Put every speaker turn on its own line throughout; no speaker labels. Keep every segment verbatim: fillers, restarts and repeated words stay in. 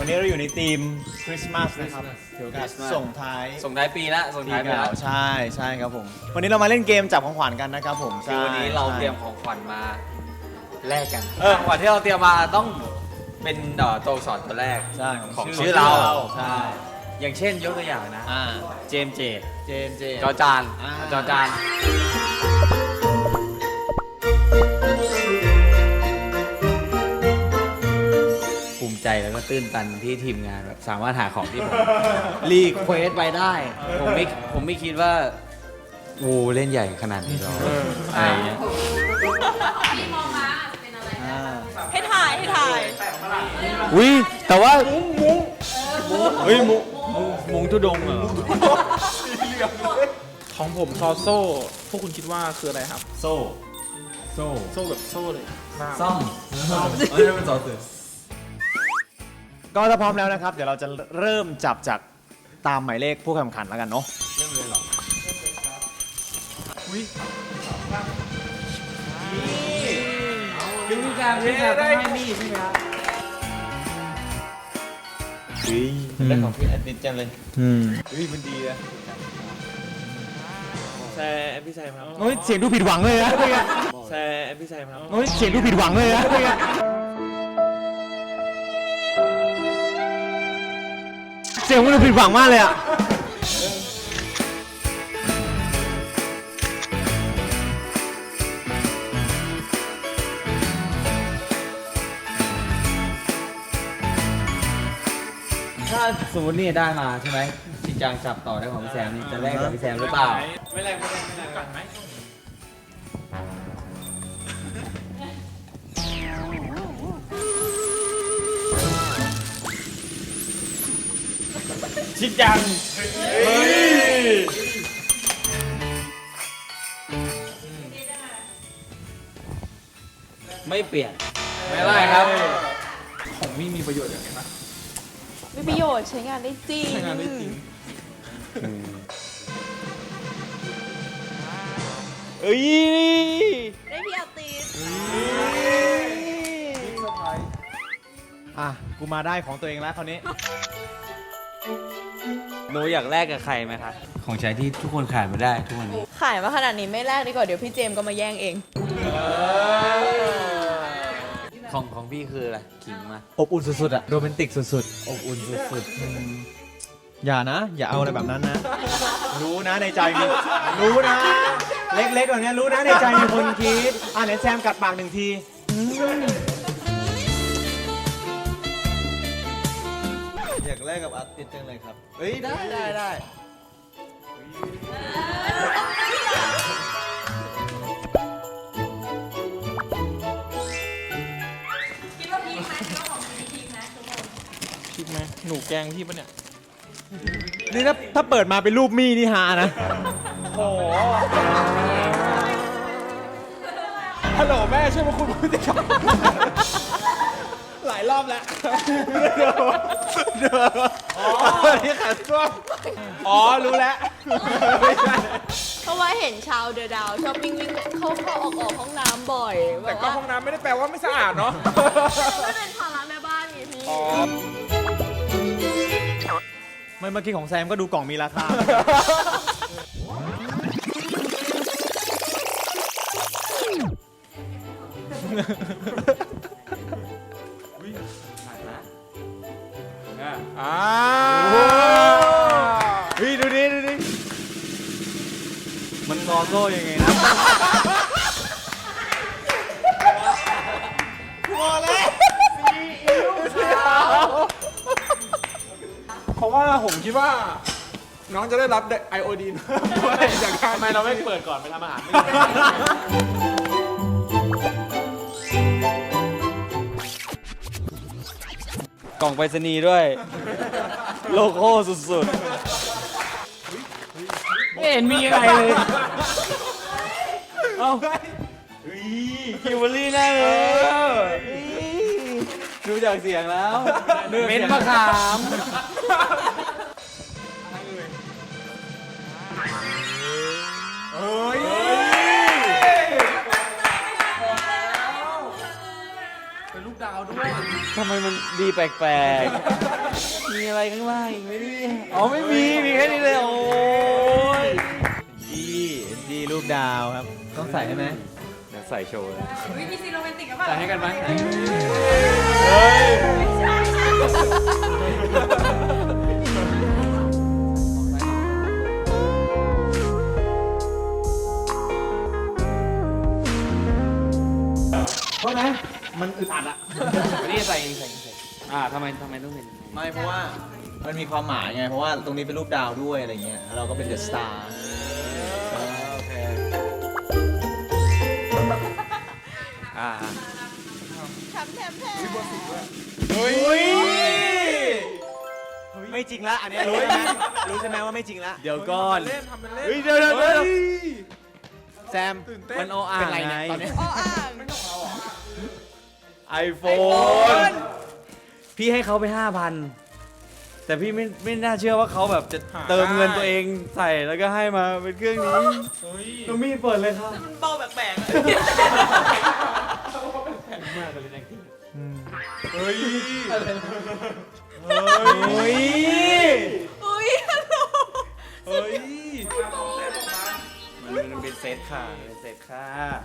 วันนี้เราอยู่ในธีมคริสต์มาสนะครับเกี่ยวกับส่งท้าย
ส่งท้ายปีละส่งท้ายปีละ
ใช่ใช่ครับผมวันนี้เรามาเล่นเกมจับของขวัญกันนะครับผม
คือวันนี้เราเตรียมของขวัญมาแลกกัน
เออ
ของขวัญที่เราเตรียมมาต้องเป็นตัวอักษรตัวแรก
ใช่
ของชื่อเรา
ใช่
อย่างเช่นยกตัวอย่างนะ
อ่า
เจมส์เจ
เจนเจ
จอจาน
อ่า
จอจานภูมิใจแล้วก็ตื้นตันที่ทีมงานแบบสามารถหาของที่ผม รีเควสไปได้ ผมไม่ผมไม่คิดว่าโอ้เล่นใหญ่ขนาดนี้หรออะไรอย่างเงี้ย
พี่มองมาเป็นอะไร
อ่า
ให้ถ่ายให้ถ่าย
อุ้ยแต่ว่า
เฮ้ยมุมุมุงทุดงเหรอ
ของผมซอโซ่ พวกคุณคิดว่าคืออะไรครับ
โซ่โซ่
โซ่แบบโซ่เลยหน้า
ซ่อม
เฮ้ยเป็นสอเสือก็ถ้าพร้อมแล้วนะครับ เดี๋ยวเราจะเริ่มจับจากตามหมายเลขผู้แข่งขันแล้วกันเนาะเริ่มเลยหรออุ้ย
วิธีการวิธีการต้องให้มีดใช่ไหมครับ
ได้ของพี่แอดมิดจังเลยอืมอุ้ยมันดีนะ
แซมพี่แซมครับ
โอ้ยเสียงดูผิดหวังเลยนะ
แซมพี่แซมครับ
โอ้ยเสียงดูผิดหวังเลยนะเสียงมันดูผิดหวังมากเลยอ่ะ
ถ้าสมมตินี่ได้มาใช่ไหมชินจังจับต่อได้ของพี่แซมนี่จะแลกกับพี่แซมหรือเปล่า
ไม่แรงไม่แรงไม่แรงกันไหม
ชิดจังเฮ้ย
ไม่เปลี่ยนไม่ได้ครับ
ของมี่มีประโยชน์อย่างไรนะ
มีประโยชน์ใช้งานได้จริง
ใช้งานได้จริง
เอ้ย
ได้พี่อาติส
อ่ะกูมาได้ของตัวเองแล้วคราวนี้
หนูอยากแลกกับใครไหมครับของใช้ที่ทุกคนขาดไม่ได้ทุกวันนี้
ขายมาขนาดนี้ไม่แลกดีกว่าเดี๋ยวพี่เจมส์ก็มาแย่งเอง
ของของพี่คืออะไรขิงมา
อบอุ่นสุดๆอะโรแมนติกสุด
อบอุ่นสุด
ๆ อย่านะ อย่าเอาอะไรแบบนั้นนะ รู้นะในใจมี รู้นะ เล็กๆแบบนี้รู้นะในใจมีคนคิด อ่ะไหนแซมกัดปากหนึ่งทีอยากแลกกับอาร์ติสจังเลยครับ เฮ้ย ได้ได้ได้
คิดว่าพีคไหมคิดว่าของพีคพีคไหมทุกคน
คิดไหมหนูแกล้งพี่ปะเนี่ย
นี่ถ้าถ้าเปิดมาเป็นรูปมี่นี่ฮานะ
โอ้โหฮัลโหลแม่ช่วยมาคุยพฤติกรรมหลายรอบแล้ว
อ๋อนี่ขาดส้วม
อ๋อ รู้แล้ว
เพราะว่าเห็นชาวเดอะดาวชอบวิ่งวิ่งเข้าเข้าออกออกห้องน้ำบ่อย
แต่ก็ห้องน้ำไม่ได้แปลว่าไม่สะอาดเนาะ
ไม่เป็นภาระแม่บ้านไงพี่
ไม่เมื่อกี้ของแซมก็ดูกล่องมีราคา
อ่า
เฮ้ยดูดิดูดิ มันซอโซ่ยังไงนะพอแล้ว
เพราะว่าผมคิดว่า น้องจะได้รับไอโอดีนด้วยจากการทำไมเราไม่เปิดก่อนไปทำอาหารไม่
กล่องไปรษณีย์ด้วย โลโก้สุดๆไม่เห็นมีอะไรเลย เอ้าคิวเบอรี่แน่เลยดูจากเสียงแล้วเม้นมะขาม
เฮ้ย
เป็นลูกดาวด้วย
ทำไมมันดีแปลกๆ มีอะไรข้างล่างอีกไหมเนี่ยอ๋อไม่มี มีแค่นี้เลยโอ้ย
ดีดีรูปดาวครับ ต้องใส่ให้ไหม
เดี๋ยวใส่โชว์เลย
อุ๊ยมีซีนโรแมนติกกับเปล่า
ใส่ให้กันไหม
ไม่ใช่ใช่
เพราะนะมันอึดอัดอะ
นี่ใส่ใส่ใส่อ่าทำไมทำไมต้องเป็น
ไม่เพราะว่ามันมีความหมายไง เพราะว่าตรงนี้เป็นรูปดาวด้วยอะไรเงี้ยแล้วเราก็เป็นเดอะสตาร์
โอเคอ่า
แถมแถมแถม
เฮ้ยไม่จริงละอันเนี้ยรู้ใช่ไหมรู้ใช่ไหมว่าไม่จริงละ
เดี๋ยวก่อน
เล่นทำเป็นเล่น
เฮ้ยเดี๋ยวเดี๋ยวเดี๋ยว
แซม
ตื่นเต้น
มันโออ่า
เป็น
ง
ไร
ไง
เนี่ยตอนเนี้ย
อ้ออ่าง
ไอโฟนพี่ให้เขาไปห้าพันแต่พี่ไม่ไม่น่าเชื่อว่าเขาแบบจะเติมเงินตัวเองใส่แล้วก็ให้มาเป็นเครื่องนี้
เฮ้ย
น้องมี่เปิดเลยครับ
มันเบาแปลกๆอะ
เฮ้ย
เฮ้ย
อุ้ยฮัลโหล
เฮ้ย
มันมันเป็นเซตค่ะเป็นเซตค่ะ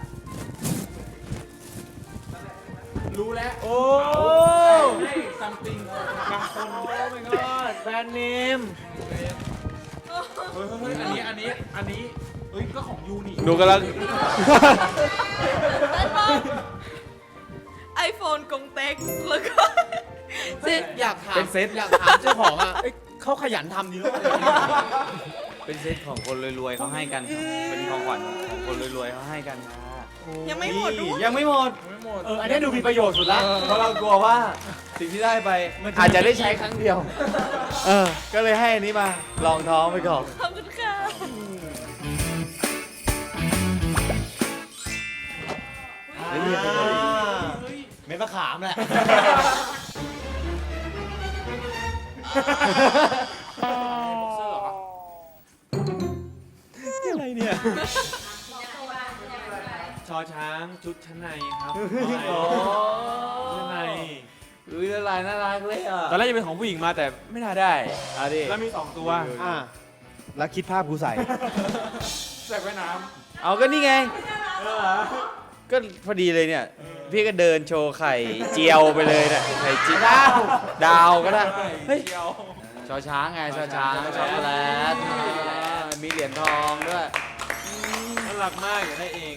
รู้แล้ว
โอ้
ให้ something บางคน
โอ้ my god แบรนด์เนม
เฮ้ยเฮ้ยอันนี้ อันนี้ อันนี้ เฮ้ย ก็ของยูนี่
ดูกันแล้ว
ไอโฟนกงเต็กแล้วก็เซ็ต
อยากถาม
เป็นเซต
อยากถามเจ้าของอ่ะเอ้ยเขาขยันทำดีมากเลย
เป็นเซตของคนรวยๆเขาให้กันครับเป็นของขวัญของคนรวยๆเขาให้กันค่ะ
ยังไม่หมดด้วย
ยังไม่หมด
ไม่หมด
เอออันนี้ดูมีประโยชน์สุดละ
เพราะเรากลัวว่าสิ่งที่ได้ไปอาจจะได้ใช้ครั้งเดียว เออ ก็เลยให้อันนี้มาลองท้องไปก่อน
ขอบคุณค่ะ
เฮ้ยเป็นคนดี
เม็ดมะขามแหละ อะไรเนี่ย
ชอช้างชุดชั้นในครับ
โอ้
ชั้นใน
อุ้ยละลายน่ารักเลยอ่ะ
ตอนแรกจะเป็นของผู้หญิงมาแต่ไม่น่าได้
อ่ะดิ
แล้วมีสองตัว
อ่ะแล้วคิดภาพกูใส่
ใส่ไว้น้
เอาก็นี่ไง
ำเออ
ก็พอดีเลยเนี่ย พี่ก็เดินโชว์ไข่เจียวไปเลยเนี่ยไข่เจียวดาวดาวก็ได้ เฮ้ย
เดียว
ชอช้างไงชอช้างช็อกโกแลตมีเหรียญทองด้วย
น่ารักมากอยากได้เอง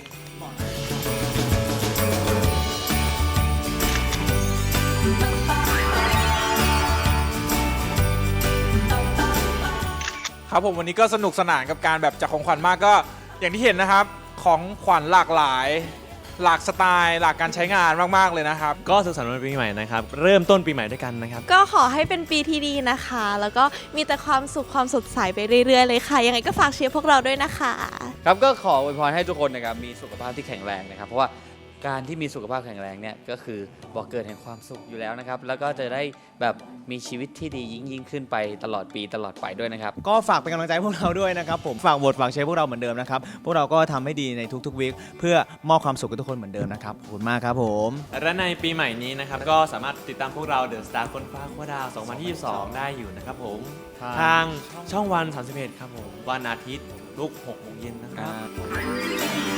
ครับผมวันนี้ก็สนุกสนานกับการแบบจัดของขวัญมากก็อย่างที่เห็นนะครับ ของขวัญหลากหลาย หลากสไตล์ หลากการใช้งานมากๆเลยนะครับ
ก็สุขสันต์วันปีใหม่นะครับ เริ่มต้นปีใหม่ด้วยกันนะครับ
ก็ขอให้เป็นปีที่ดีนะคะ แล้วก็มีแต่ความสุขความสดใสไปเรื่อยๆเลยค่ะ ยังไงก็ฝากเชียร์พวกเราด้วยนะคะ
ครับก็ขออวยพรให้ทุกคนนะครับมีสุขภาพที่แข็งแรงนะครับ เพราะว่าการที่มีสุขภาพแข็งแรงเนี่ยก็คือบอกเกิดแห่งความสุขอยู่แล้วนะครับ แล้วก็จะได้แบบมีชีวิตที่ดียิ่งยิ่งขึ้นไปตลอดปีตลอดไปด้วยนะครับ
ก็ฝากเป็นกำลังใจให้พวกเราด้วยนะครับผมฝากโหวตฝากเชียร์พวกเราเหมือนเดิมนะครับ พวกเราก็ทำให้ดีในทุกๆวีคเพื่อมอบความสุขกับทุกคนเหมือนเดิมนะครับขอบคุณมากครับผม
และในปีใหม่นี้นะครับ ก็สามารถติดตามพวกเราเดอะสตาร์คนฟ้าขั้วดาวสองพันยี่สิบสองได้อยู่นะครับผม ทางช่องวันสามสิบเอ็ดครับผม วันอาทิตย์ลุกหกโมงเย็นนะครับ